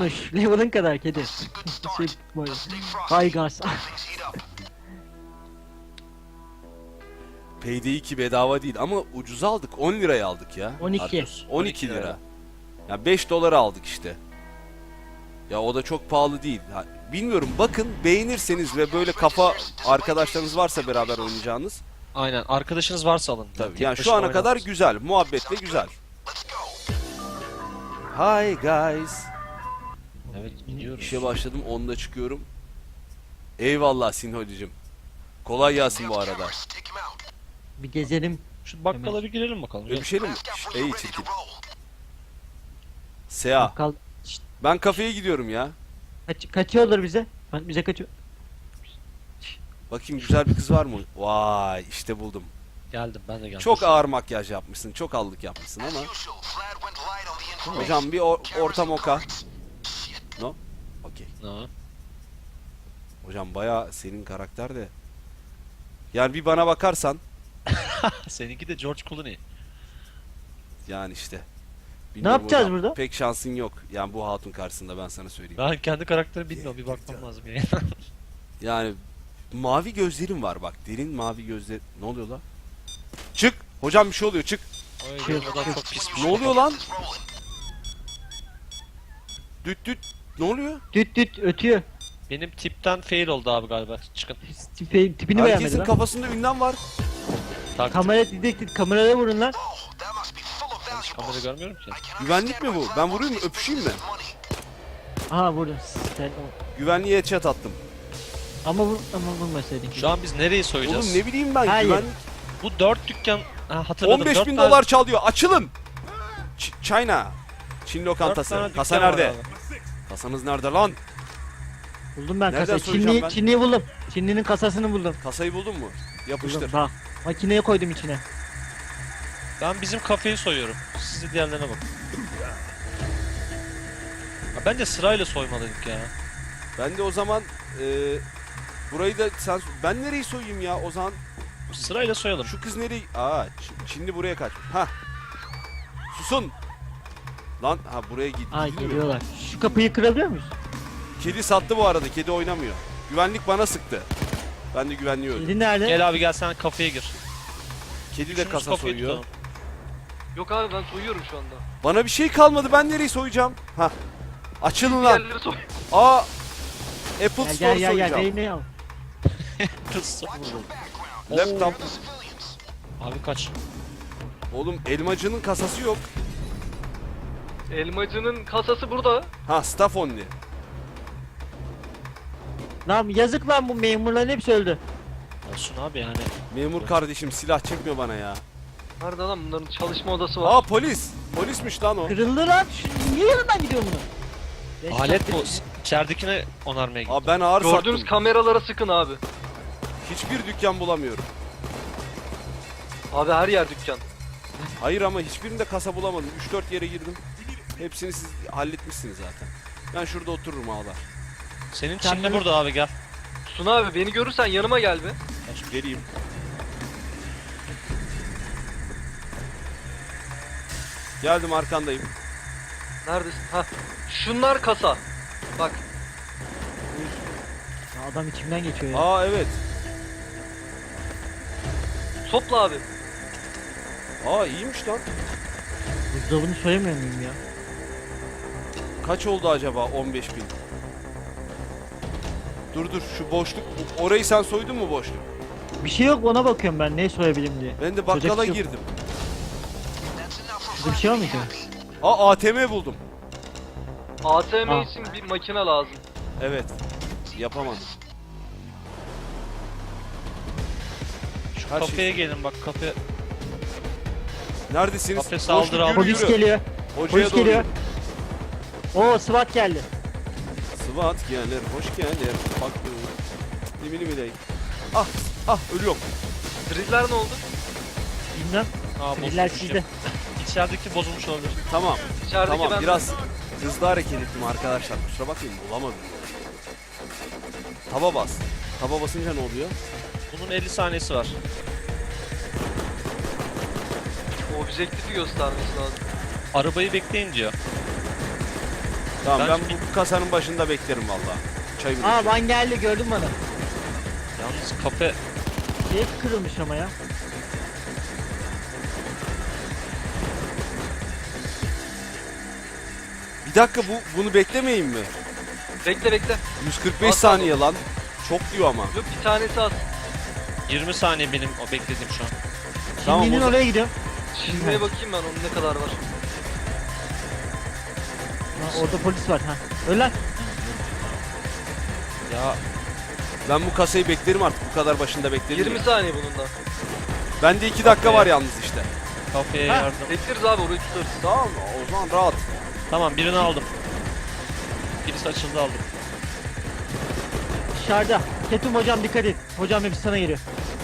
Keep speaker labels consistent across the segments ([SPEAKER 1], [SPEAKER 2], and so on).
[SPEAKER 1] Minnoş. Level'ın kadar kedi. Şey, böyle. Hay gaz.
[SPEAKER 2] Payday 2 bedava değil ama ucuz aldık. 10 liraya aldık ya.
[SPEAKER 1] 12.
[SPEAKER 2] Arthur. 12 lira. Ya 5 dolara aldık işte. Ya o da çok pahalı değil. Ha, bilmiyorum, bakın, beğenirseniz ve böyle kafa arkadaşlarınız varsa beraber oynayacağınız.
[SPEAKER 3] Aynen, arkadaşınız varsa alın.
[SPEAKER 2] Tabii.
[SPEAKER 3] Tek
[SPEAKER 2] Yani şu
[SPEAKER 3] başına
[SPEAKER 2] ana kadar
[SPEAKER 3] oynamaz.
[SPEAKER 2] güzel. Muhabbetle güzel. Hi guys.
[SPEAKER 3] Evet, gidiyoruz.
[SPEAKER 2] İşe başladım, 10'da çıkıyorum. Eyvallah Sinholicim. Kolay gelsin bu arada.
[SPEAKER 1] Bir gezelim.
[SPEAKER 3] Şu bakkala bir girelim bakalım.
[SPEAKER 2] Öyle bir şey mi? Ey çirkin. Sea.
[SPEAKER 1] Bakkal.
[SPEAKER 2] Ben kafeye gidiyorum ya.
[SPEAKER 1] Kaçıyorlar bize. Bize kaçıyor.
[SPEAKER 2] Bakayım, güzel bir kız var mı? Vay, işte buldum.
[SPEAKER 3] Geldim, ben de geldim.
[SPEAKER 2] Çok ağır makyaj yapmışsın, çok allık yapmışsın ama. Hocam bir orta moka. No? Okey.
[SPEAKER 3] Ha.
[SPEAKER 2] Hocam bayağı senin karakter de. Yani bir bana bakarsan,
[SPEAKER 3] Seninki de George Clooney.
[SPEAKER 2] yani işte.
[SPEAKER 1] Ne yapacağız
[SPEAKER 2] hocam,
[SPEAKER 1] burada?
[SPEAKER 2] pek şansın yok. Yani bu hatun karşısında, ben sana söyleyeyim.
[SPEAKER 3] Ben kendi karakterimi bilmiyorum, bir bakmam lazım yani.
[SPEAKER 2] Yani mavi gözlerim var bak. Derin mavi gözler. Ne oluyor lan? Çık. Hocam bir şey oluyor, çık.
[SPEAKER 3] Oy,
[SPEAKER 1] Şey-
[SPEAKER 3] o da çok pismiş.
[SPEAKER 2] Ne oluyor lan? Düt düt. Ne oluyor?
[SPEAKER 1] Düt düt ötüyor.
[SPEAKER 3] Benim tipten fail oldu abi galiba. Çıkın.
[SPEAKER 1] Tipini beğenmedi
[SPEAKER 2] Herkesin
[SPEAKER 1] lan.
[SPEAKER 2] kafasında ünlem var.
[SPEAKER 3] Taktik.
[SPEAKER 1] Kamera didektif. Kameraya vurun lan.
[SPEAKER 3] Ben hiç kamera görmüyorum ki.
[SPEAKER 2] Güvenlik mi bu? Ben vurayım mı? Öpüşeyim mi?
[SPEAKER 1] Aha vurdum. Sen,
[SPEAKER 2] Güvenliğe headshot attım.
[SPEAKER 1] ama vurmasaydın.
[SPEAKER 3] Şu an biz nereyi soyacağız?
[SPEAKER 2] Oğlum ne bileyim ben,
[SPEAKER 1] Hayır.
[SPEAKER 2] güvenlik.
[SPEAKER 3] Bu 4 dükkan... Ha, hatırladım.
[SPEAKER 2] 15
[SPEAKER 3] 4
[SPEAKER 2] bin
[SPEAKER 3] tane-
[SPEAKER 2] dolar çalıyor. Açılın. China. Çin
[SPEAKER 3] 4
[SPEAKER 2] lokantası.
[SPEAKER 3] tane
[SPEAKER 2] Kasa
[SPEAKER 3] dükkan var
[SPEAKER 2] nerede?
[SPEAKER 3] abi.
[SPEAKER 2] Kasanız nerede lan?
[SPEAKER 1] Buldum ben
[SPEAKER 2] Nereden
[SPEAKER 1] kasayı.
[SPEAKER 2] soyacağım ben?
[SPEAKER 1] Çinliyi buldum. Çinlinin kasasını buldum.
[SPEAKER 2] Kasayı buldun mu? Yapıştır.
[SPEAKER 1] Buldum. Bak. Makineye koydum içine.
[SPEAKER 3] Ben bizim kafeyi soyuyorum. Siz de diğerlerine bakın. Ya bence sırayla soymalıydık ya.
[SPEAKER 2] Ben de o zaman burayı da sen... Ben nereyi soyayım ya o zaman?
[SPEAKER 3] Sırayla soyalım.
[SPEAKER 2] Şu kız nereyi... Aa, Çinli buraya kaç. Ha. Susun. Lan ha, buraya git.
[SPEAKER 1] Ay
[SPEAKER 2] Gidilmiyor.
[SPEAKER 1] geliyorlar. Şu kapıyı kırabiliyor muyuz?
[SPEAKER 2] Kedi sattı bu arada. Kedi oynamıyor. Güvenlik bana sıktı. Ben de güvenliği öldüm.
[SPEAKER 1] Kedi nerede?
[SPEAKER 3] Gel abi, gel sen kafeye gir.
[SPEAKER 2] Kedi de
[SPEAKER 3] Üçümüz
[SPEAKER 2] kasa
[SPEAKER 3] kafayı
[SPEAKER 2] soyuyor.
[SPEAKER 3] tutalım.
[SPEAKER 4] Yok abi ben soyuyorum şu anda.
[SPEAKER 2] Bana bir şey kalmadı. Ben nereyi soyacağım? Ha. Açılın lan.
[SPEAKER 4] Diğerleri soy.
[SPEAKER 2] Aa. Apple
[SPEAKER 1] Gel
[SPEAKER 2] Store
[SPEAKER 1] gel gel
[SPEAKER 2] soyacağım.
[SPEAKER 1] Reyne'yi al.
[SPEAKER 3] Kız vurdu.
[SPEAKER 2] Laptop.
[SPEAKER 3] Abi kaç.
[SPEAKER 2] Oğlum elmacının kasası yok.
[SPEAKER 4] Elmacının kasası burada.
[SPEAKER 2] Ha, staff only.
[SPEAKER 1] Lan yazık lan, bu memurların hepsi öldü.
[SPEAKER 3] Olsun abi yani.
[SPEAKER 2] Memur kardeşim, silah çekme bana ya.
[SPEAKER 4] Nerede lan bunların çalışma odası var.
[SPEAKER 2] Aa, polis. Polismiş lan o.
[SPEAKER 1] Kırıldı lan. Niye yanından gidiyor bunu? Beş
[SPEAKER 3] Alet
[SPEAKER 1] saattir-
[SPEAKER 3] bu. İçeridekine onarmaya git.
[SPEAKER 2] Aa, ben ağır
[SPEAKER 4] Gördüğünüz
[SPEAKER 2] sattım.
[SPEAKER 4] kameralara sıkın abi.
[SPEAKER 2] Hiçbir dükkan bulamıyorum.
[SPEAKER 4] Abi her yer dükkan.
[SPEAKER 2] Hayır ama hiçbirinde kasa bulamadım. 3-4 yere girdim. Hepsini siz halletmişsiniz zaten. Ben şurada otururum ağlar.
[SPEAKER 3] Senin
[SPEAKER 1] Sen
[SPEAKER 3] Çinli
[SPEAKER 1] beni-
[SPEAKER 3] burada abi, gel.
[SPEAKER 4] Suna abi beni görürsen yanıma gel be.
[SPEAKER 2] Geleyim. Geldim, arkandayım.
[SPEAKER 4] Neredesin? Ha. Şunlar kasa. Bak.
[SPEAKER 1] Ya adam içimden geçiyor ya.
[SPEAKER 2] Aa evet.
[SPEAKER 4] Topla abi.
[SPEAKER 2] Aa iyiymiş lan.
[SPEAKER 1] Buzdolabını soyamıyor muyum ya?
[SPEAKER 2] Kaç oldu acaba 15 bin? Dur dur, şu boşluk. Orayı sen soydun mu, boşluk?
[SPEAKER 1] Bir şey yok, ona bakıyorum ben ne soyabilirim diye.
[SPEAKER 2] Ben de
[SPEAKER 1] Soyacak
[SPEAKER 2] bakkala
[SPEAKER 1] bir şey yok.
[SPEAKER 2] girdim.
[SPEAKER 1] Burada bir şey var mıydı?
[SPEAKER 2] Aa, ATM buldum.
[SPEAKER 4] ATM
[SPEAKER 1] Ah.
[SPEAKER 4] için bir makine lazım.
[SPEAKER 2] Evet. Yapamadım.
[SPEAKER 3] Şu
[SPEAKER 2] Her
[SPEAKER 3] kafeye gelin bak, kafe.
[SPEAKER 2] Neredesiniz?
[SPEAKER 3] Kafe saldır
[SPEAKER 2] Boşluk,
[SPEAKER 3] abi.
[SPEAKER 2] yürü,
[SPEAKER 1] Polis
[SPEAKER 2] yürü.
[SPEAKER 1] geliyor.
[SPEAKER 2] Hocaya
[SPEAKER 1] Polis
[SPEAKER 2] doğru
[SPEAKER 1] geliyor.
[SPEAKER 2] yürü.
[SPEAKER 1] Oo, SWAT geldi.
[SPEAKER 2] SWAT gelir, hoş gelir. Bak. Limini miley. Ah, ah, ölüyorum.
[SPEAKER 4] Driller ne oldu?
[SPEAKER 1] Bilmem.
[SPEAKER 3] Aa,
[SPEAKER 1] Siviller
[SPEAKER 3] bozulmuş
[SPEAKER 1] sizde.
[SPEAKER 3] ya. İçerideki bozulmuş olabilir.
[SPEAKER 2] Tamam.
[SPEAKER 4] İçerideki
[SPEAKER 2] Tamam,
[SPEAKER 4] ben.
[SPEAKER 2] biraz hızlı hareket ettim arkadaşlar. Kusura bakmayın, bulamadım. Taba bas. Taba basınca ne oluyor?
[SPEAKER 3] Bunun 50 saniyesi var.
[SPEAKER 4] Objektifi göstermesi lazım.
[SPEAKER 3] Arabayı bekleyin diyor.
[SPEAKER 2] Tamam ben
[SPEAKER 3] Ben-
[SPEAKER 2] bu kasanın başında beklerim valla. Çayımı
[SPEAKER 1] Aa
[SPEAKER 2] içeyim.
[SPEAKER 1] Van geldi gördün bana.
[SPEAKER 3] Yalnız kafe
[SPEAKER 1] Şey kırılmış ama ya.
[SPEAKER 2] Bir dakika bunu beklemeyin mi?
[SPEAKER 4] Bekle bekle.
[SPEAKER 2] 145
[SPEAKER 4] At,
[SPEAKER 2] saniye lan. Çok diyor ama.
[SPEAKER 4] Yok bir tanesi az.
[SPEAKER 3] 20 saniye benim o beklediğim şu an.
[SPEAKER 2] Tamam,
[SPEAKER 1] Şimdinin
[SPEAKER 2] o zaman-
[SPEAKER 1] oraya gidiyorum.
[SPEAKER 4] Çizmeye bakayım ben onun ne kadar var.
[SPEAKER 1] Ha, orada polis var ha. Öl lan.
[SPEAKER 3] Ya
[SPEAKER 2] Ben bu kasayı beklerim artık. Bu kadar başında beklerim.
[SPEAKER 4] 20
[SPEAKER 2] ya.
[SPEAKER 4] saniye bunun da.
[SPEAKER 2] Bende 2 dakika var yalnız işte.
[SPEAKER 3] kafeye
[SPEAKER 1] Ha.
[SPEAKER 3] yardım.
[SPEAKER 4] Bekleriz abi orayı tutarız.
[SPEAKER 2] Tamam o zaman rahat.
[SPEAKER 3] Tamam birini aldım. Birisi açıldı aldım.
[SPEAKER 1] Dışarıda. Ketum hocam dikkat et. Hocam hepsi sana geliyor.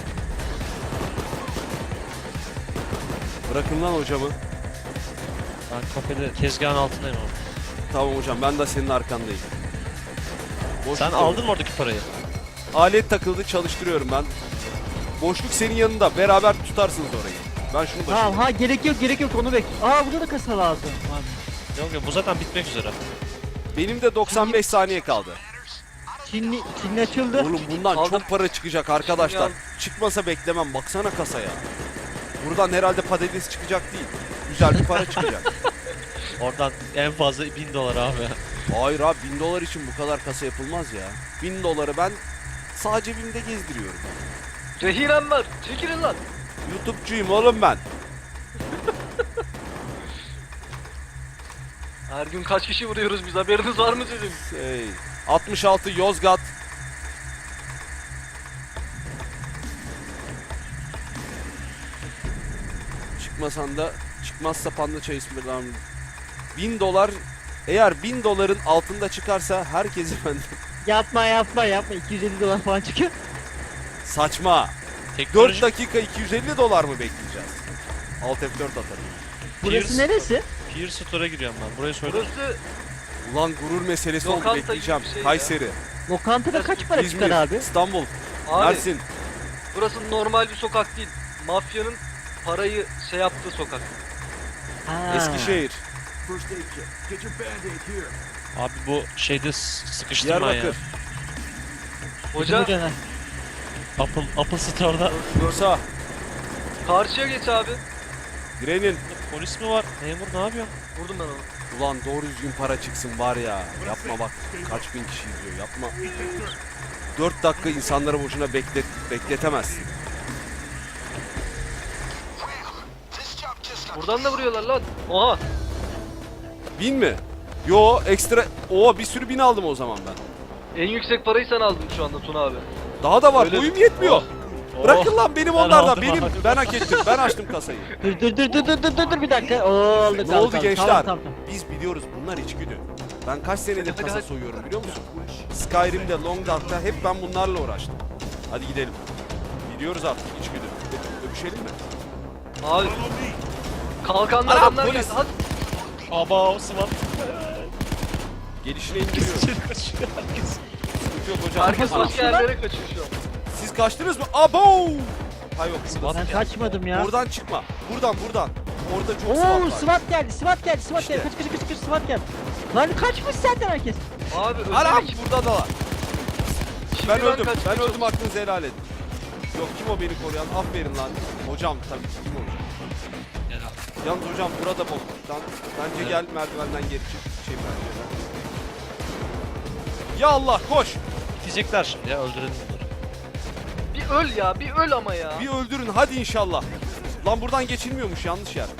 [SPEAKER 2] Bırakın lan hocamı.
[SPEAKER 3] Ben kafede tezgahın altındayım ama.
[SPEAKER 2] Tamam hocam ben de senin arkandayım. Boşluk
[SPEAKER 3] Sen
[SPEAKER 2] yok.
[SPEAKER 3] aldın mı oradaki parayı?
[SPEAKER 2] Alet takıldı çalıştırıyorum ben. Boşluk senin yanında. Beraber tutarsınız orayı. Ben şunu
[SPEAKER 1] Tamam
[SPEAKER 2] başlayayım.
[SPEAKER 1] ha gerek yok onu bek. Aa burada da kasa lazım.
[SPEAKER 3] Yok yok bu zaten bitmek üzere.
[SPEAKER 2] Benim de 95 saniye kaldı.
[SPEAKER 1] Çinli açıldı.
[SPEAKER 2] Oğlum bundan
[SPEAKER 4] Aldım.
[SPEAKER 2] çok para çıkacak arkadaşlar.
[SPEAKER 4] Aldım.
[SPEAKER 2] Çıkmasa beklemem. Baksana kasaya. Buradan herhalde patates çıkacak değil. Güzel bir para çıkacak.
[SPEAKER 3] Oradan en fazla 1000 dolar abi.
[SPEAKER 2] Hayır abi 1000 dolar için bu kadar kasa yapılmaz ya. 1000 doları ben sağ cebimde gezdiriyorum.
[SPEAKER 4] Rehinem var. Çekilin lan.
[SPEAKER 2] YouTube'cuyum oğlum ben.
[SPEAKER 4] Her gün kaç kişi vuruyoruz biz haberiniz var mı sizin?
[SPEAKER 2] 66 Yozgat. Çıkmasan da çıkmazsa panda çay ısmarlam. 1000 dolar eğer 1000 doların altında çıkarsa herkesi ben
[SPEAKER 1] Yapma. 250 dolar falan çıkıyor.
[SPEAKER 2] saçma. 4
[SPEAKER 3] Teknoloji
[SPEAKER 2] dakika 250 dolar mı bekleyeceğiz? Alt F4 atarım.
[SPEAKER 1] Burası
[SPEAKER 3] Pierce-
[SPEAKER 1] neresi?
[SPEAKER 3] Peer Store'a giriyorum ben. Burayı söyle.
[SPEAKER 4] Burası
[SPEAKER 2] Ulan gurur meselesi oldu
[SPEAKER 4] Lokanta gibi
[SPEAKER 2] bekleyeceğim.
[SPEAKER 4] bir şey ya.
[SPEAKER 2] Kayseri,
[SPEAKER 1] Lokantada kaç para
[SPEAKER 2] İzmir,
[SPEAKER 1] çıkar abi?
[SPEAKER 2] İstanbul,
[SPEAKER 4] abi
[SPEAKER 2] Mersin.
[SPEAKER 4] burası normal bir sokak değil. Mafyanın parayı şey yaptığı sokak.
[SPEAKER 1] Ha.
[SPEAKER 2] Eskişehir,
[SPEAKER 3] Abi bu şeyde sıkıştırma ya.
[SPEAKER 2] Diyarbakır,
[SPEAKER 4] Hoca
[SPEAKER 1] Hoca ne?
[SPEAKER 3] Apple Store'da
[SPEAKER 2] Bursa,
[SPEAKER 4] karşıya geç abi.
[SPEAKER 2] Grenin.
[SPEAKER 3] polis mi var? Memur ne yapıyor?
[SPEAKER 4] Vurdum ben onu.
[SPEAKER 2] Ulan doğru düzgün para çıksın var ya. Yapma bak kaç bin kişi izliyor yapma. 4 dakika insanları boşuna bekletemezsin.
[SPEAKER 4] Buradan da vuruyorlar lan. Oha.
[SPEAKER 2] 1000 mi? Yo ekstra. Oo bir sürü bin aldım o zaman ben.
[SPEAKER 4] En yüksek parayı sen aldın şu anda Tuna abi.
[SPEAKER 2] Daha da var
[SPEAKER 4] Öyle
[SPEAKER 2] boyum
[SPEAKER 4] mi?
[SPEAKER 2] yetmiyor.
[SPEAKER 3] Oh.
[SPEAKER 2] Bırakın lan benim
[SPEAKER 3] Ben
[SPEAKER 2] onlardan
[SPEAKER 3] aldım
[SPEAKER 2] benim.
[SPEAKER 3] abi.
[SPEAKER 2] Ben hak ettim ben açtım kasayı.
[SPEAKER 1] Dur bir dakika. Oldu.
[SPEAKER 2] Ne
[SPEAKER 1] tamam,
[SPEAKER 2] oldu
[SPEAKER 1] tamam,
[SPEAKER 2] gençler?
[SPEAKER 1] Tamam.
[SPEAKER 2] Biz biliyoruz bunlar içgüdü. Ben kaç senedir
[SPEAKER 4] Hadi,
[SPEAKER 2] kasa
[SPEAKER 4] hadi.
[SPEAKER 2] soyuyorum biliyor musun? Skyrim'de, Long Dark'ta hep ben bunlarla uğraştım. Hadi gidelim. Biliyoruz artık içgüdü. Öpüşelim mi?
[SPEAKER 4] Abi. Kalkanlı
[SPEAKER 2] Ana,
[SPEAKER 4] adamlar
[SPEAKER 2] polis.
[SPEAKER 4] geldi. Hadi.
[SPEAKER 3] Aba o SWAT.
[SPEAKER 2] Gelişine indiriyorum.
[SPEAKER 3] Kaçıyor herkes.
[SPEAKER 2] Sıkıntı yok hocam.
[SPEAKER 4] Herkes
[SPEAKER 2] Ana,
[SPEAKER 4] başka yerlere kaçıyor şu an.
[SPEAKER 2] siz kaçtınız mı? Abo! Ha yok burada.
[SPEAKER 1] Ben kaçmadım ya.
[SPEAKER 2] Oradan çıkma. Buradan. Orada çok
[SPEAKER 1] Oo
[SPEAKER 2] SWAT var.
[SPEAKER 1] SWAT geldi. SWAT geldi.
[SPEAKER 2] İşte.
[SPEAKER 1] Kaç SWAT geldi. Lan kaçmış zaten herkes.
[SPEAKER 4] Abi özel
[SPEAKER 2] Anam
[SPEAKER 4] ekip.
[SPEAKER 2] burada da var.
[SPEAKER 4] Şimdi
[SPEAKER 2] Ben öldüm.
[SPEAKER 4] kaçmaya
[SPEAKER 2] Ben öldüm
[SPEAKER 4] çalışıyorum.
[SPEAKER 2] aklınızı helal edin. Yok kim o beni koruyan? Aferin lan. Hocam tabii ki kim olacak? Yalnız hocam burada bokluktan. Bence gel merdivenden geri çık. Pencereden. Ya Allah koş.
[SPEAKER 3] Bitecekler şimdi ya öldürelim bunları.
[SPEAKER 4] Bir öl ya, bir öl ama ya.
[SPEAKER 2] Bir öldürün hadi inşallah. Lan buradan geçilmiyormuş yanlış yer.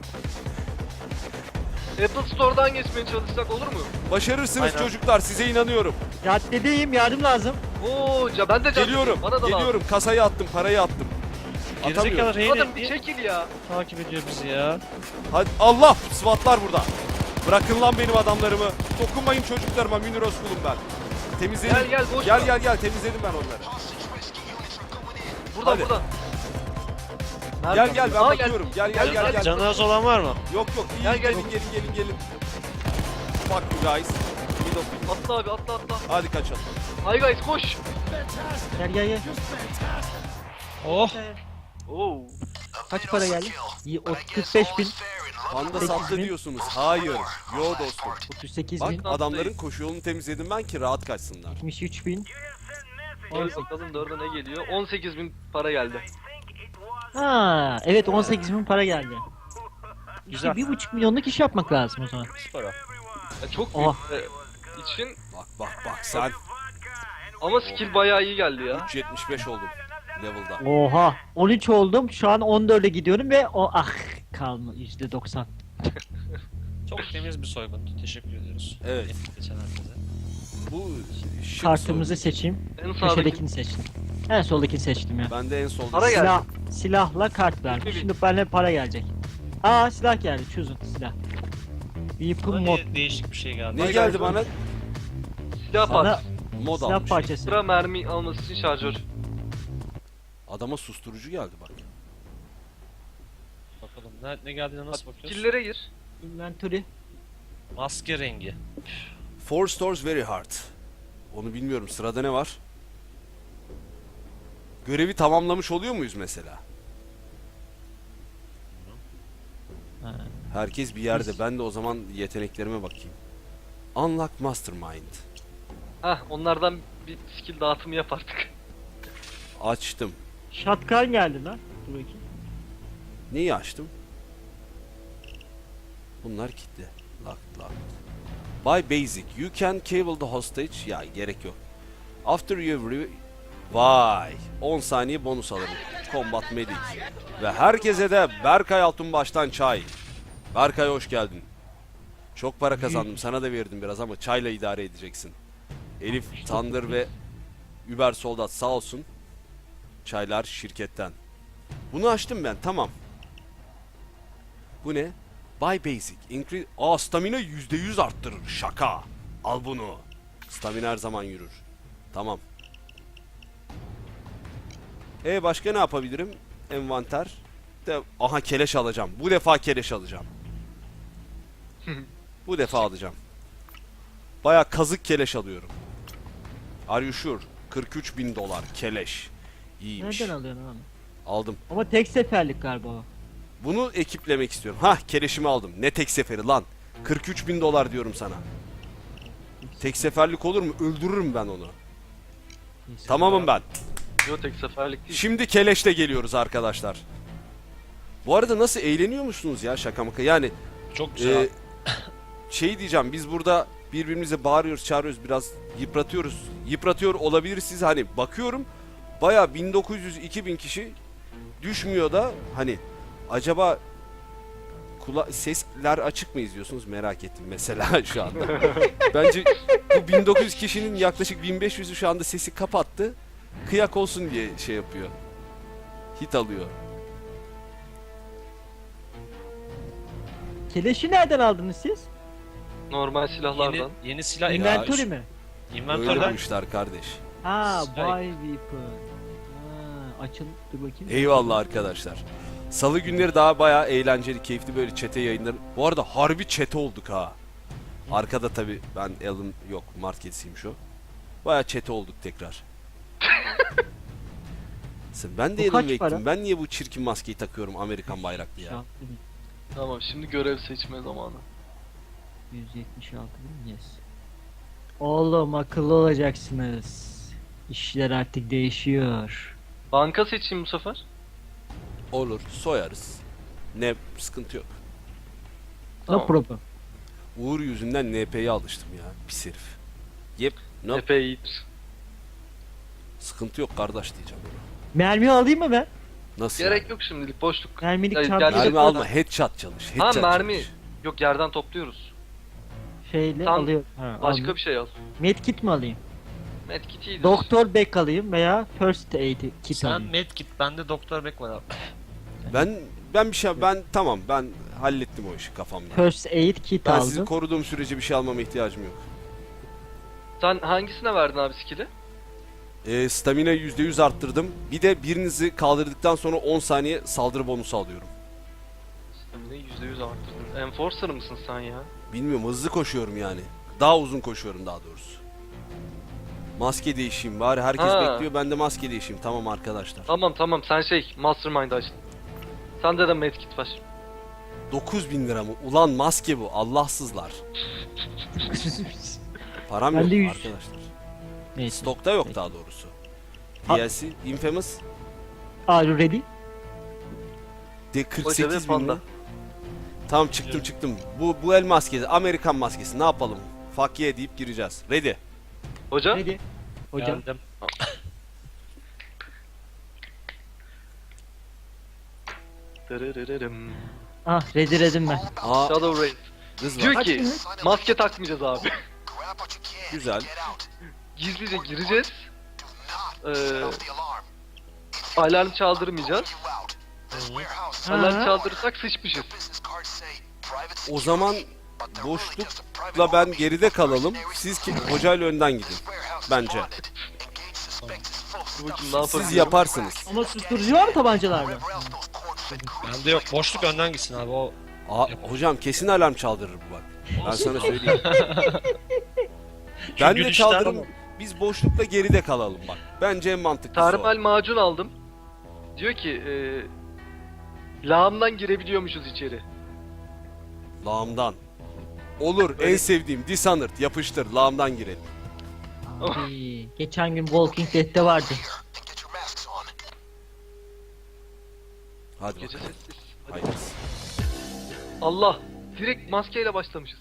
[SPEAKER 4] Apple Store'dan geçmeye çalışsak olur mu?
[SPEAKER 2] Başarırsınız
[SPEAKER 3] Aynen.
[SPEAKER 2] çocuklar size inanıyorum.
[SPEAKER 1] Caddedeyim yardım lazım.
[SPEAKER 4] Oo, ben de
[SPEAKER 2] Geliyorum.
[SPEAKER 4] Bana da
[SPEAKER 2] Geliyorum. Kasayı attım, parayı attım.
[SPEAKER 3] Gerizekalı
[SPEAKER 2] Atamıyorum.
[SPEAKER 3] Reyne
[SPEAKER 4] Adam bir
[SPEAKER 3] niye
[SPEAKER 4] çekil ya.
[SPEAKER 3] takip ediyor bizi ya?
[SPEAKER 2] Hadi Allah SWAT'lar burada. Bırakın lan benim adamlarımı. Dokunmayın çocuklarıma Münir Özkul'um ben. Temizledim.
[SPEAKER 4] Gel, boş
[SPEAKER 2] Gel
[SPEAKER 4] ver.
[SPEAKER 2] gel temizledim ben onları.
[SPEAKER 4] Buradan
[SPEAKER 2] Hadi.
[SPEAKER 4] buradan.
[SPEAKER 2] Gel ben
[SPEAKER 4] Aa,
[SPEAKER 2] bakıyorum. Gel.
[SPEAKER 3] Canı az olan var mı?
[SPEAKER 2] Yok iyi
[SPEAKER 4] Gel, gel.
[SPEAKER 2] gelin. Fuck you guys. Middle finger.
[SPEAKER 4] Atla abi atla.
[SPEAKER 2] Hadi kaçalım.
[SPEAKER 4] Hi guys koş.
[SPEAKER 1] Gel.
[SPEAKER 3] Oh.
[SPEAKER 4] Oo.
[SPEAKER 1] Kaç para geldi? 45 bin.
[SPEAKER 2] Panda
[SPEAKER 1] 38
[SPEAKER 2] sattı
[SPEAKER 1] bin.
[SPEAKER 2] diyorsunuz. Hayır. Yo dostum.
[SPEAKER 1] 38
[SPEAKER 2] Bak
[SPEAKER 1] bin.
[SPEAKER 2] adamların koşu yolunu temizledim ben ki rahat kaçsınlar.
[SPEAKER 1] 73 bin.
[SPEAKER 4] Hadi bakalım 4'e ne geliyor? 18.000 para geldi.
[SPEAKER 1] Ha, evet 18 bin para geldi. İşte
[SPEAKER 3] Güzel.
[SPEAKER 1] 1,5 milyonluk iş yapmak lazım o zaman.
[SPEAKER 3] Para.
[SPEAKER 4] Ya çok büyük
[SPEAKER 1] Oh.
[SPEAKER 4] için
[SPEAKER 2] Bak sen.
[SPEAKER 4] ama skill bayağı iyi geldi ya.
[SPEAKER 2] 3.75 oldum level'da.
[SPEAKER 1] Oha, 13 oldum. Şu an 14'e gidiyorum ve kalma %90.
[SPEAKER 3] Çok temiz bir soygundu. Teşekkür ediyoruz.
[SPEAKER 2] Evet.
[SPEAKER 3] Geçen herkese.
[SPEAKER 2] Bu şık
[SPEAKER 1] Kartımızı seçeyim.
[SPEAKER 4] En sağdaki
[SPEAKER 1] Köşedekini seçtim. En soldakini seçtim ya.
[SPEAKER 2] Ben de en solda.
[SPEAKER 4] Para geldi.
[SPEAKER 1] Silahla kart vermiş.
[SPEAKER 4] 20 bin.
[SPEAKER 1] Şimdi bana para gelecek. Aa, silah geldi. Chosen silah. Weapon
[SPEAKER 3] Bana
[SPEAKER 1] mod.
[SPEAKER 3] niye değişik bir şey geldi?
[SPEAKER 2] Ne geldi bana?
[SPEAKER 4] silah
[SPEAKER 1] Sana
[SPEAKER 4] parçası.
[SPEAKER 2] Mod
[SPEAKER 1] silah
[SPEAKER 2] almış.
[SPEAKER 1] parçası.
[SPEAKER 4] Sıra mermi alması için şarjör.
[SPEAKER 2] Adama susturucu geldi bak.
[SPEAKER 3] Bakalım ne geldiğine nasıl bakıyoruz?
[SPEAKER 4] Skill'lere gir.
[SPEAKER 1] Inventory.
[SPEAKER 3] Maske rengi.
[SPEAKER 2] Four stores very hard. Onu bilmiyorum. Sırada ne var? Görevi tamamlamış oluyor muyuz mesela?
[SPEAKER 1] Ha.
[SPEAKER 2] Herkes bir yerde. Ben de o zaman yeteneklerime bakayım. Unlock Mastermind.
[SPEAKER 4] Hah onlardan bir skill dağıtımı yap artık.
[SPEAKER 2] Açtım.
[SPEAKER 1] Shotgun geldi lan. Dur bakayım.
[SPEAKER 2] Neyi açtım? Bunlar kilitli. Locked. Buy basic. You can cable the hostage. Ya gerek yok. After you Vay. 10 saniye bonus alırım. Combat Medic. Ve herkese de Berkay Altunbaş'tan çay. Berkay hoş geldin. Çok para kazandım. Sana da verdim biraz ama çayla idare edeceksin. Elif, Thunder ve Uber Soldat sağ olsun. Çaylar şirketten. Bunu açtım ben. Tamam. Bu ne? Buy basic. Increase... Stamina %100 arttırır. Şaka. Al bunu. Stamina her zaman yürür. Tamam. Başka ne yapabilirim? Envanter. Aha keleş alacağım. Bu defa keleş alacağım. Bu defa alacağım. Baya kazık keleş alıyorum. Are you sure? 43.000 dolar keleş. İyiymiş.
[SPEAKER 1] Nereden alıyorsun abi?
[SPEAKER 2] Aldım.
[SPEAKER 1] Ama tek seferlik galiba o.
[SPEAKER 2] Bunu ekiplemek istiyorum. Hah keleşimi aldım. Ne tek seferi lan. 43.000 dolar diyorum sana. Tek seferlik olur mu? Öldürürüm ben onu.
[SPEAKER 1] Neyse.
[SPEAKER 2] Tamamım ben.
[SPEAKER 4] Yo tek seferlik değil.
[SPEAKER 2] Şimdi keleşle geliyoruz arkadaşlar. Bu arada nasıl eğleniyor musunuz ya şaka maka? Yani
[SPEAKER 3] Çok güzel.
[SPEAKER 2] şey diyeceğim biz burada birbirimize bağırıyoruz çağırıyoruz biraz yıpratıyoruz. Yıpratıyor olabilir siz hani bakıyorum baya 1900-2000 kişi düşmüyor da hani acaba sesler açık mı izliyorsunuz merak ettim mesela şu anda. Bence bu 1900 kişinin yaklaşık 1500'ü şu anda sesi kapattı. Kıyak olsun diye şey yapıyor. Hit alıyor.
[SPEAKER 1] Keleşi nereden aldınız siz?
[SPEAKER 4] Normal silahlardan.
[SPEAKER 3] Yeni silah
[SPEAKER 1] Inventory mi?
[SPEAKER 2] Öyle
[SPEAKER 3] Inventory'den
[SPEAKER 2] bulmuşlar kardeş.
[SPEAKER 1] Ha,
[SPEAKER 3] Silah-
[SPEAKER 1] buy weapon. Ha, açıl dur bakayım.
[SPEAKER 2] Eyvallah arkadaşlar. Salı günleri daha bayağı eğlenceli, keyifli böyle çete yayınları. Bu arada harbi çete olduk ha. Arkada tabi ben Alan yok, Mart kedisiyim şu. Bayağı çete olduk tekrar. Ben de
[SPEAKER 1] Bu
[SPEAKER 2] Alan
[SPEAKER 1] kaç
[SPEAKER 2] Wake'tim.
[SPEAKER 1] para?
[SPEAKER 2] Ben niye bu çirkin maskeyi takıyorum Amerikan bayraklı ya?
[SPEAKER 4] Tamam şimdi görev seçme zamanı.
[SPEAKER 1] 176 bin yes. Oğlum akıllı olacaksınız. İşler artık değişiyor.
[SPEAKER 4] Banka seçeyim bu sefer.
[SPEAKER 2] Olur, soyarız. Ne sıkıntı yok.
[SPEAKER 1] No
[SPEAKER 4] Tamam.
[SPEAKER 1] problem.
[SPEAKER 2] Uğur yüzünden NP'ye alıştım ya, pis herif. Yep, no,
[SPEAKER 4] Epey iyidir.
[SPEAKER 2] sıkıntı yok kardeş diyeceğim.
[SPEAKER 1] Mermi alayım mı ben?
[SPEAKER 2] Nasıl
[SPEAKER 4] Gerek
[SPEAKER 2] yani?
[SPEAKER 4] yok şimdilik boşluk.
[SPEAKER 1] Mermilik
[SPEAKER 4] Ya,
[SPEAKER 1] çantayı
[SPEAKER 4] gerçek-
[SPEAKER 2] Mermi alma, headshot çalış.
[SPEAKER 4] Ha
[SPEAKER 2] Headshot
[SPEAKER 4] mermi.
[SPEAKER 2] çalış.
[SPEAKER 4] Yok yerden topluyoruz.
[SPEAKER 1] şeyle
[SPEAKER 4] Tam
[SPEAKER 1] alıyorum. Ha,
[SPEAKER 4] Başka
[SPEAKER 1] aldım.
[SPEAKER 4] bir şey al.
[SPEAKER 1] Medkit mi alayım?
[SPEAKER 4] Medkit iyidir.
[SPEAKER 1] Doktor Beck alayım veya First Aid kit
[SPEAKER 3] Sen
[SPEAKER 1] alayım.
[SPEAKER 3] medkit, bende Doktor Beck var abi.
[SPEAKER 2] Ben bir şey tamam ben hallettim o işi kafamda.
[SPEAKER 1] First Aid kit
[SPEAKER 2] Ben sizi
[SPEAKER 1] aldım.
[SPEAKER 2] koruduğum sürece bir şey almama ihtiyacım yok.
[SPEAKER 4] Sen hangisine verdin abi skill'i?
[SPEAKER 2] Stamina %100 arttırdım. Bir de birinizi kaldırdıktan sonra 10 saniye saldırı bonusu alıyorum.
[SPEAKER 4] Stamina'yı %100 arttırdın. Enforcer mısın sen ya?
[SPEAKER 2] Bilmiyorum hızlı koşuyorum yani. Daha uzun koşuyorum daha doğrusu. Maske değişeyim bari herkes
[SPEAKER 4] Ha.
[SPEAKER 2] bekliyor ben de maske değişeyim tamam arkadaşlar.
[SPEAKER 4] Tamam sen Mastermind açtın. Sende de medkit var.
[SPEAKER 2] 9.000 lira mı? Ulan maske bu. Allahsızlar. Param
[SPEAKER 1] Ben
[SPEAKER 2] yok
[SPEAKER 1] de 100.
[SPEAKER 2] arkadaşlar.
[SPEAKER 1] Neyse.
[SPEAKER 2] Stokta yok daha doğrusu.
[SPEAKER 1] Ha-
[SPEAKER 2] DLC Infamous
[SPEAKER 1] Are you ready?
[SPEAKER 2] de
[SPEAKER 4] Hoca ve
[SPEAKER 2] 48 bin
[SPEAKER 4] panda.
[SPEAKER 2] mi? Tamam çıktım. Bu el maskesi, Amerikan maskesi. Ne yapalım? Fuck yeah deyip gireceğiz. Ready.
[SPEAKER 4] Hoca?
[SPEAKER 1] Ready. Hocam.
[SPEAKER 3] Geldim.
[SPEAKER 4] Dırırırırım.
[SPEAKER 1] Ah ready dedim ben.
[SPEAKER 2] Aa,
[SPEAKER 4] Shadow Raid.
[SPEAKER 2] kız
[SPEAKER 4] Diyor
[SPEAKER 2] var.
[SPEAKER 4] ki maske takmayacağız abi.
[SPEAKER 2] Güzel.
[SPEAKER 4] Gizlice gireceğiz. Alarm çaldırmayacağız. Alarm çaldırırsak sıçmışız.
[SPEAKER 2] O zaman boşlukla ben geride kalalım. Siz hocayla önden gidin. Bence.
[SPEAKER 4] Dur bakayım ne yaparız.
[SPEAKER 2] Siz yaparsınız.
[SPEAKER 1] Ama susturucu var mı tabancalarda?
[SPEAKER 3] Bende yok. Boşluk önden gitsin abi. O
[SPEAKER 2] Aa, hocam kesin alarm çaldırır bu bak. Ben sana söyleyeyim. Ben de
[SPEAKER 3] gülüşler-
[SPEAKER 2] çaldırırım. Biz boşlukla geride kalalım bak. Bence en mantıklısı o.
[SPEAKER 4] Termal macun aldım. Diyor ki lağımdan girebiliyormuşuz içeri.
[SPEAKER 2] Lağımdan. Olur, en sevdiğim Dishonored. Yapıştır, lağımdan girelim.
[SPEAKER 1] Abi, geçen gün Walking Dead'te vardı.
[SPEAKER 2] Hadi
[SPEAKER 4] Gece
[SPEAKER 2] bakalım.
[SPEAKER 4] sessiz.
[SPEAKER 2] Hayır.
[SPEAKER 4] Allah. Direkt maskeyle başlamışız.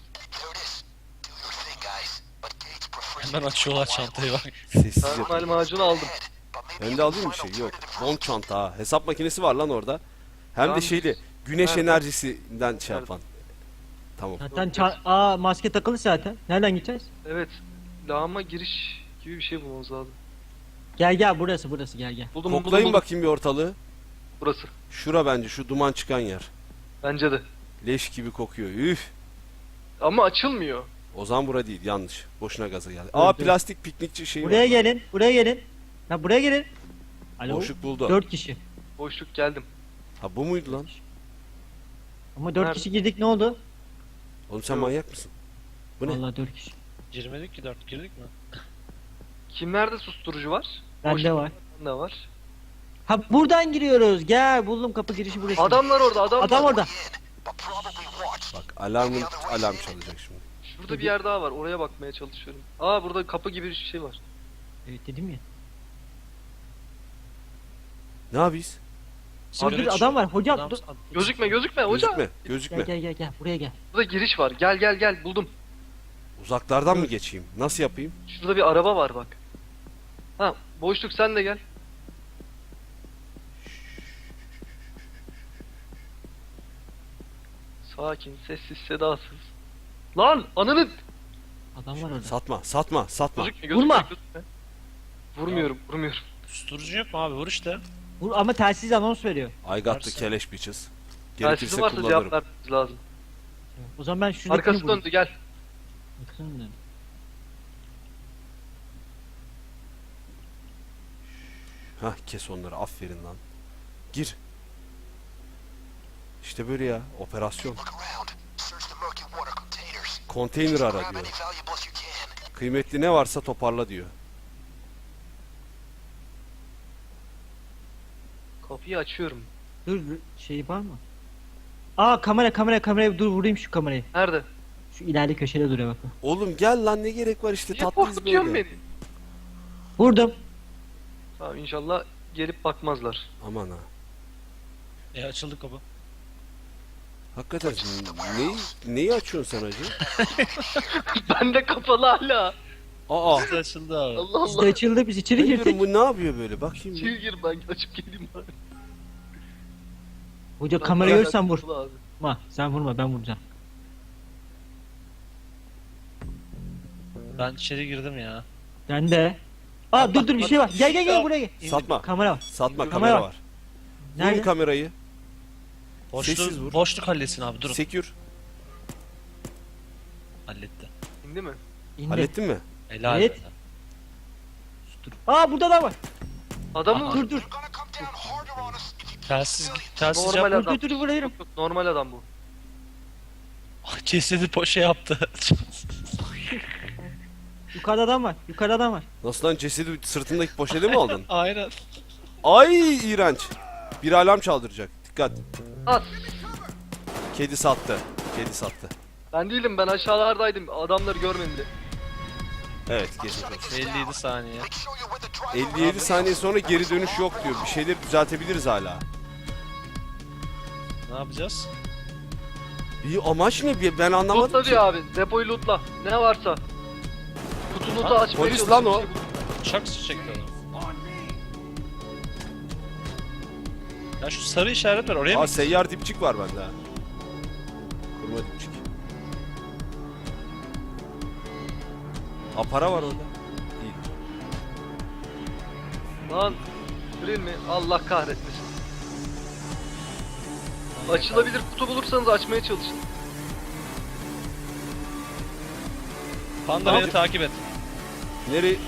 [SPEAKER 3] hemen açıyorlar çantayı bak.
[SPEAKER 2] Sessiz
[SPEAKER 4] Termal
[SPEAKER 2] yapalım.
[SPEAKER 4] macunu aldım.
[SPEAKER 2] Ben de alayım bir şey. Yok. Bond çanta ha. Hesap makinesi var lan orada. Hem de
[SPEAKER 4] Tamam.
[SPEAKER 2] şeyli. Güneş
[SPEAKER 4] Nerede?
[SPEAKER 2] enerjisinden şey
[SPEAKER 4] Nerede?
[SPEAKER 2] yapan. Tamam.
[SPEAKER 1] Zaten maske takılı zaten. Nereden gideceğiz?
[SPEAKER 4] Evet. Lağıma giriş gibi bir şey bulmamız lazım.
[SPEAKER 1] Gel burası gel.
[SPEAKER 4] Buldum
[SPEAKER 2] Koklayın
[SPEAKER 4] buldum.
[SPEAKER 2] bakayım bir ortalığı.
[SPEAKER 4] Burası.
[SPEAKER 2] Şura bence şu duman çıkan yer.
[SPEAKER 4] Bence de.
[SPEAKER 2] Leş gibi kokuyor. Üf.
[SPEAKER 4] Ama açılmıyor.
[SPEAKER 2] O zaman bura değil. Yanlış. Boşuna gaza geldi.
[SPEAKER 1] Evet,
[SPEAKER 2] Aa
[SPEAKER 1] evet.
[SPEAKER 2] plastik piknikçi şeyi
[SPEAKER 1] Buraya
[SPEAKER 2] var.
[SPEAKER 1] gelin. Ya buraya gelin. Alo.
[SPEAKER 2] Boşluk buldu.
[SPEAKER 1] 4 kişi.
[SPEAKER 4] Boşluk geldim.
[SPEAKER 2] Ha bu muydu lan?
[SPEAKER 1] Ama 4
[SPEAKER 4] Nerede?
[SPEAKER 1] kişi girdik ne oldu?
[SPEAKER 2] Oğlum sen
[SPEAKER 4] Yok.
[SPEAKER 2] manyak mısın? Bu ne?
[SPEAKER 1] Vallahi 4 kişi.
[SPEAKER 3] Girmedik ki 4 girdik mi?
[SPEAKER 4] Kimlerde susturucu var?
[SPEAKER 1] Bende
[SPEAKER 4] Boşluk
[SPEAKER 1] var.
[SPEAKER 4] Ne var?
[SPEAKER 1] Ha buradan giriyoruz. Gel buldum kapı girişi burası.
[SPEAKER 4] Adamlar orada
[SPEAKER 1] Adam orada.
[SPEAKER 2] Bak alarm çalacak şimdi.
[SPEAKER 4] Şurada bir yer daha var. Oraya bakmaya çalışıyorum. Aa burada kapı gibi bir şey var.
[SPEAKER 1] Evet dedim ya.
[SPEAKER 2] Ne yapıyız?
[SPEAKER 1] Dur
[SPEAKER 3] Sigara
[SPEAKER 1] adam var. Hocam
[SPEAKER 3] Adam-
[SPEAKER 1] dur.
[SPEAKER 4] Gözükme hoca.
[SPEAKER 2] Gözükme.
[SPEAKER 1] Gel buraya gel.
[SPEAKER 4] Burada giriş var. Gel buldum.
[SPEAKER 2] Uzaklardan mı geçeyim? Nasıl yapayım?
[SPEAKER 4] Şurada bir araba var bak. Ha boşluk sen de gel. Sakin, sessiz, sedasız. Lan ananı
[SPEAKER 1] Adam var orada.
[SPEAKER 2] Satma.
[SPEAKER 4] gözükme.
[SPEAKER 1] Vurma.
[SPEAKER 4] Vurmuyorum.
[SPEAKER 3] Susturucu yok mu abi? Vur işte.
[SPEAKER 1] Vur ama telsiz anons veriyor.
[SPEAKER 2] I got the
[SPEAKER 3] Varsa.
[SPEAKER 2] keleş bitches.
[SPEAKER 4] Telsizi
[SPEAKER 2] Gerekirse
[SPEAKER 4] varsa
[SPEAKER 2] kullanırım.
[SPEAKER 4] cevap vermemiz lazım.
[SPEAKER 1] O zaman ben şuradakini
[SPEAKER 4] Arkası
[SPEAKER 1] bulayım.
[SPEAKER 4] döndü gel.
[SPEAKER 1] Arkasını döndü.
[SPEAKER 2] Hah kes onları aferin lan. Gir. İşte böyle ya operasyon. Konteyner ara diyor. Kıymetli ne varsa toparla diyor.
[SPEAKER 4] Kapıyı açıyorum.
[SPEAKER 1] Dur şey var mı? Aa kamera dur vurayım şu kamerayı.
[SPEAKER 4] Nerede?
[SPEAKER 1] Şu ileride köşede duruyor bakın.
[SPEAKER 2] Oğlum gel lan ne gerek var işte
[SPEAKER 4] Niye
[SPEAKER 2] tatlıyız
[SPEAKER 4] korkutuyorsun
[SPEAKER 2] böyle.
[SPEAKER 4] beni?
[SPEAKER 1] Vurdum.
[SPEAKER 4] Tamam inşallah gelip bakmazlar.
[SPEAKER 2] Aman ha.
[SPEAKER 3] Açıldı kapı.
[SPEAKER 2] Hakikaten neyi açıyorsun sen hacı?
[SPEAKER 4] Ben de kapalı hala.
[SPEAKER 2] Aa.
[SPEAKER 3] Açıldı abi.
[SPEAKER 4] Allah
[SPEAKER 1] Biz de
[SPEAKER 4] Allah.
[SPEAKER 1] açıldı biz içeri
[SPEAKER 2] Ben
[SPEAKER 1] girdik.
[SPEAKER 2] diyorum bu ne yapıyor böyle bakayım. bir.
[SPEAKER 4] İçeri gir ben açıp geleyim bari.
[SPEAKER 1] Hoca
[SPEAKER 4] Ben
[SPEAKER 1] kamerayı
[SPEAKER 4] hala
[SPEAKER 1] görsen vur.
[SPEAKER 4] kapalı abi.
[SPEAKER 1] Vurma sen vurma ben vuracağım.
[SPEAKER 3] Ben içeri girdim ya.
[SPEAKER 1] Ben de. Aa dur bir şey var. Gel buraya gel.
[SPEAKER 2] Satma.
[SPEAKER 1] Kamera var.
[SPEAKER 2] Satma
[SPEAKER 1] Kamera
[SPEAKER 2] kamera
[SPEAKER 1] var.
[SPEAKER 2] var.
[SPEAKER 1] Nerede?
[SPEAKER 2] Vurun kamerayı. Sessiz vur.
[SPEAKER 3] Boşluk halletsin abi durun.
[SPEAKER 2] Secure.
[SPEAKER 3] Halletti.
[SPEAKER 4] İndi mi?
[SPEAKER 1] İndi.
[SPEAKER 2] Hallettin mi?
[SPEAKER 3] Helal.
[SPEAKER 1] Evet. Aa burada da var.
[SPEAKER 4] Adamı
[SPEAKER 3] Aha.
[SPEAKER 4] vur.
[SPEAKER 1] Dur.
[SPEAKER 3] Telsiz
[SPEAKER 4] Normal
[SPEAKER 3] yap.
[SPEAKER 4] adam.
[SPEAKER 1] Dur vuruyorum.
[SPEAKER 4] Yok, normal adam bu.
[SPEAKER 3] Cesedi poşe yaptı.
[SPEAKER 1] Yukarıda adam var.
[SPEAKER 2] Nasıl lan cesedi sırtındaki poşete mi aldın?
[SPEAKER 3] Aynen.
[SPEAKER 2] Ay iğrenç. Bir alarm çaldıracak. Dikkat.
[SPEAKER 4] At.
[SPEAKER 2] Kedi sattı. Kedi sattı.
[SPEAKER 4] Ben değilim, ben aşağılardaydım. Adamları görmedi.
[SPEAKER 2] Evet, geçmiş olsun.
[SPEAKER 3] 57 saniye.
[SPEAKER 2] 57 saniye sonra geri dönüş yok diyor. Bir şeyleri düzeltebiliriz hala.
[SPEAKER 3] Ne yapacağız?
[SPEAKER 2] Bir amaç ne? Ben anlamadım
[SPEAKER 4] Lootla
[SPEAKER 2] ki.
[SPEAKER 4] diyor abi. Depoyu lootla. Ne varsa. Kutu loot'u
[SPEAKER 3] Ha,
[SPEAKER 4] açmaya
[SPEAKER 2] polis
[SPEAKER 4] çalışın,
[SPEAKER 2] lan
[SPEAKER 4] bir
[SPEAKER 2] o.
[SPEAKER 4] şey bul.
[SPEAKER 3] Uçak su çekti onu. Ya şu sarı işaret var, oraya mı?
[SPEAKER 2] Aa, seyyar dipçik var bende ha. Kurma dipçik. Aa, para var orada. İyi.
[SPEAKER 4] Lan. Grill mi? Allah kahretmesin. Açılabilir kutu bulursanız açmaya çalışın.
[SPEAKER 3] Panda
[SPEAKER 2] Ne
[SPEAKER 3] beni takip et.
[SPEAKER 2] Nereye?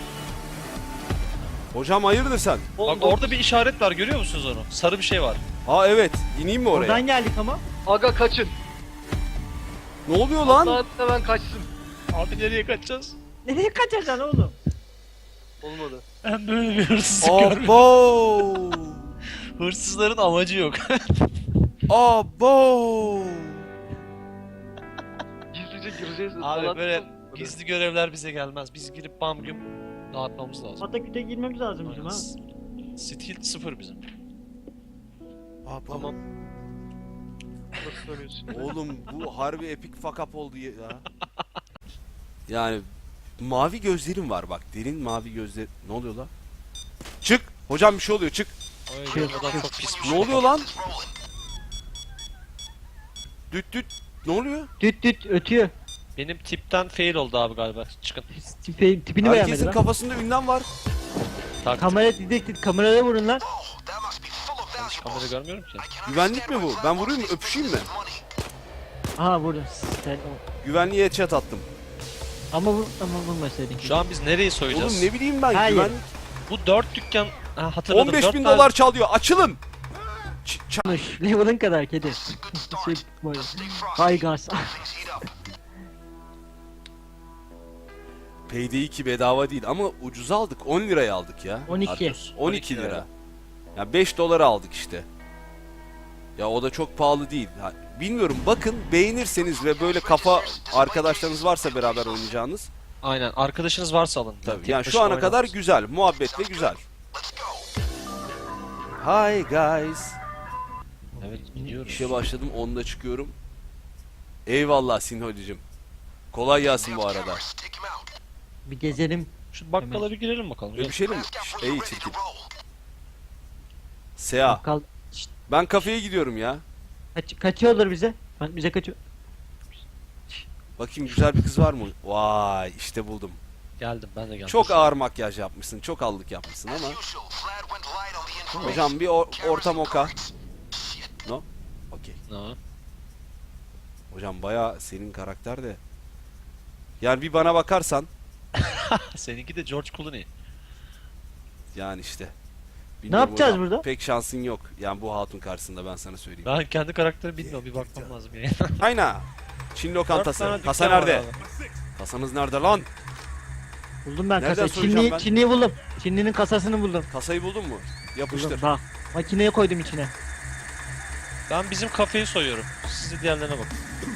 [SPEAKER 2] Hocam hayırdır sen?
[SPEAKER 3] Bak orada bir işaret var, görüyor musunuz onu? Sarı bir şey var.
[SPEAKER 2] Aa evet. İneyim mi oraya?
[SPEAKER 1] Oradan geldik ama.
[SPEAKER 4] Aga kaçın.
[SPEAKER 2] Ne oluyor lan?
[SPEAKER 4] Lan hemen kaçsın.
[SPEAKER 3] Abi nereye kaçacağız?
[SPEAKER 1] Nereye kaçacaksın oğlum?
[SPEAKER 4] Olmadı.
[SPEAKER 3] Ben böyle bir hırsızlık görmedim.
[SPEAKER 2] Abo!
[SPEAKER 3] Hırsızların amacı yok.
[SPEAKER 2] Abo!
[SPEAKER 4] Gizlice gireceğiz.
[SPEAKER 3] Abi
[SPEAKER 4] falan.
[SPEAKER 3] böyle gizli görevler bize gelmez. Biz girip bam güm dağıtmamız lazım.
[SPEAKER 1] Pataküte girmemiz lazım bizim ha.
[SPEAKER 3] Stil 0 bizim.
[SPEAKER 2] Abo.
[SPEAKER 4] Tamam. Nasıl söylüyorsun?
[SPEAKER 2] Oğlum bu harbi epic fuck up oldu ya. Yani mavi gözlerim var bak. Derin mavi gözler. Ne oluyor lan? Çık. Hocam bir şey oluyor. Çık.
[SPEAKER 3] Oy, adam çok pis bir
[SPEAKER 2] Ne
[SPEAKER 3] şey.
[SPEAKER 2] oluyor lan? Düt düt. Ne oluyor?
[SPEAKER 1] Düt düt ötüyor.
[SPEAKER 3] Benim tipten fail oldu abi galiba. Çıkın.
[SPEAKER 1] Tipini beğenmedi
[SPEAKER 2] Herkesin
[SPEAKER 1] lan.
[SPEAKER 2] kafasında ünlem var.
[SPEAKER 3] Taktik.
[SPEAKER 1] Kamera didektif, kameraya vurun lan.
[SPEAKER 3] Ben hiç kamera görmüyorum ki.
[SPEAKER 2] Güvenlik mi bu? Ben vurayım mı? Öpüşeyim mi?
[SPEAKER 1] Aha vurdun. Sen o.
[SPEAKER 2] Güvenliğe headshot attım.
[SPEAKER 1] Ama vurmasaydın.
[SPEAKER 3] Şu an biz nereyi soyacağız?
[SPEAKER 2] Oğlum ne bileyim ben.
[SPEAKER 1] Hayır.
[SPEAKER 2] Güvenlik.
[SPEAKER 3] Bu 4 dükkan... Ha, hatırladım.
[SPEAKER 2] 15
[SPEAKER 3] 4
[SPEAKER 2] bin
[SPEAKER 3] tane-
[SPEAKER 2] dolar çalıyor. Açılın.
[SPEAKER 1] Konuş. Level'ın kadar kedi. Şey böyle. Hay gaz.
[SPEAKER 2] Payday 2 bedava değil ama ucuz aldık. 10 liraya aldık ya.
[SPEAKER 1] 12.
[SPEAKER 2] Arthur. 12 lira.
[SPEAKER 3] lira.
[SPEAKER 2] Ya 5 dolara aldık işte. Ya o da çok pahalı değil. Ha, bilmiyorum, bakın, beğenirseniz ve böyle kafa arkadaşlarınız varsa beraber oynayacağınız.
[SPEAKER 3] Aynen. Arkadaşınız varsa alın.
[SPEAKER 2] Tabii.
[SPEAKER 3] Tek
[SPEAKER 2] Yani şu
[SPEAKER 3] başına
[SPEAKER 2] ana kadar
[SPEAKER 3] oynamaz.
[SPEAKER 2] güzel. Muhabbetle güzel. Hi guys.
[SPEAKER 3] Evet gidiyoruz.
[SPEAKER 2] İşe başladım, 10'da çıkıyorum. Eyvallah Sinholicim. Kolay gelsin bu arada.
[SPEAKER 1] Bir gezelim.
[SPEAKER 3] Şu bakkala bir girelim bakalım. Gel.
[SPEAKER 2] Öpüşelim mi? Ey çirkin. Sea.
[SPEAKER 1] Kal.
[SPEAKER 2] Ben kafeye gidiyorum ya.
[SPEAKER 1] Kaçıyorlar bize. Bize kaçıyor.
[SPEAKER 2] Bakayım güzel bir kız var mı? Vay işte buldum.
[SPEAKER 3] Geldim ben de geldim.
[SPEAKER 2] Çok ağır makyaj yapmışsın. Çok allık yapmışsın ama. Hocam bir orta moka. No? Okey.
[SPEAKER 3] Ha.
[SPEAKER 2] Hocam baya senin karakter de. Yani bir bana bakarsan.
[SPEAKER 3] Seninki de George Clooney.
[SPEAKER 2] Yani işte.
[SPEAKER 1] Ne yapacağız
[SPEAKER 2] hocam,
[SPEAKER 1] burada?
[SPEAKER 2] pek şansın yok. Yani bu hatun karşısında ben sana söyleyeyim.
[SPEAKER 3] Ben kendi karakterimi bilmiyorum. Bir bakmam lazım ya.
[SPEAKER 2] Aynen. Çin
[SPEAKER 3] 4
[SPEAKER 2] lokantası.
[SPEAKER 3] tane
[SPEAKER 2] Kasa
[SPEAKER 3] dükkan var
[SPEAKER 2] nerede?
[SPEAKER 3] abi.
[SPEAKER 2] Kasanız nerede lan?
[SPEAKER 1] Buldum ben
[SPEAKER 2] Nereden
[SPEAKER 1] kasayı.
[SPEAKER 2] soyacağım ben?
[SPEAKER 1] Çinliyi buldum. Çinlinin kasasını buldum.
[SPEAKER 2] Kasayı buldun mu? Yapıştır.
[SPEAKER 1] Buldum. Bak. Makineye koydum içine.
[SPEAKER 3] Ben bizim kafeyi soyuyorum. Siz de diğerlerine bakın.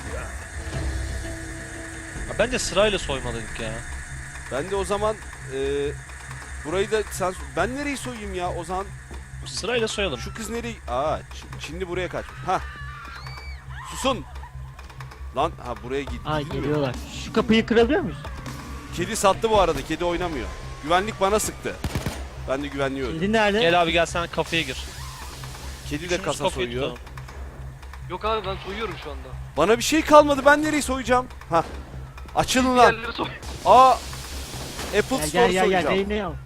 [SPEAKER 3] Ya bence sırayla soymalıydık ya.
[SPEAKER 2] Ben de o zaman burayı da sen... Ben nereyi soyayım ya o zaman?
[SPEAKER 3] Sırayla soyalım.
[SPEAKER 2] Şu kız nereyi... Aa Çinli buraya kaçmış. Ha. Susun. Lan ha buraya
[SPEAKER 1] Ay
[SPEAKER 2] gidilmiyor.
[SPEAKER 1] geliyorlar. Şu kapıyı kırabiliyor muyuz?
[SPEAKER 2] Kedi sattı bu arada. Kedi oynamıyor. Güvenlik bana sıktı. Ben de güvenliği öldüm.
[SPEAKER 1] Kedi nerede?
[SPEAKER 3] Gel abi gel sen kafeye gir.
[SPEAKER 2] Kedi de
[SPEAKER 3] Üçümüz
[SPEAKER 2] kasa
[SPEAKER 3] kafayı
[SPEAKER 2] soyuyor.
[SPEAKER 3] tutalım.
[SPEAKER 4] Yok abi ben soyuyorum şu anda.
[SPEAKER 2] Bana bir şey kalmadı. Ben nereyi soyacağım? Ha. Açılın lan.
[SPEAKER 4] Diğerleri soy.
[SPEAKER 2] Aa. Apple
[SPEAKER 1] Gel
[SPEAKER 2] Store
[SPEAKER 1] gel gel.
[SPEAKER 2] soyacağım.
[SPEAKER 1] Beyni al.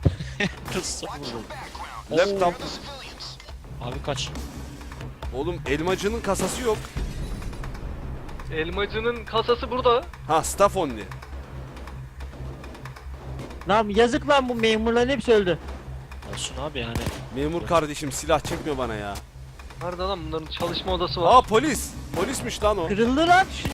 [SPEAKER 2] Laptop.
[SPEAKER 3] Abi kaç.
[SPEAKER 2] Oğlum elmacının kasası yok.
[SPEAKER 4] Elmacının kasası burada.
[SPEAKER 2] Ha staff only.
[SPEAKER 1] Lan yazık lan bu memurların hepsi öldü.
[SPEAKER 3] Olsun abi yani.
[SPEAKER 2] Memur kardeşim silah çekmiyor bana ya.
[SPEAKER 4] Nerede lan bunların çalışma odası var.
[SPEAKER 2] Aa polis. Polismiş lan o.
[SPEAKER 1] Kırıldı lan.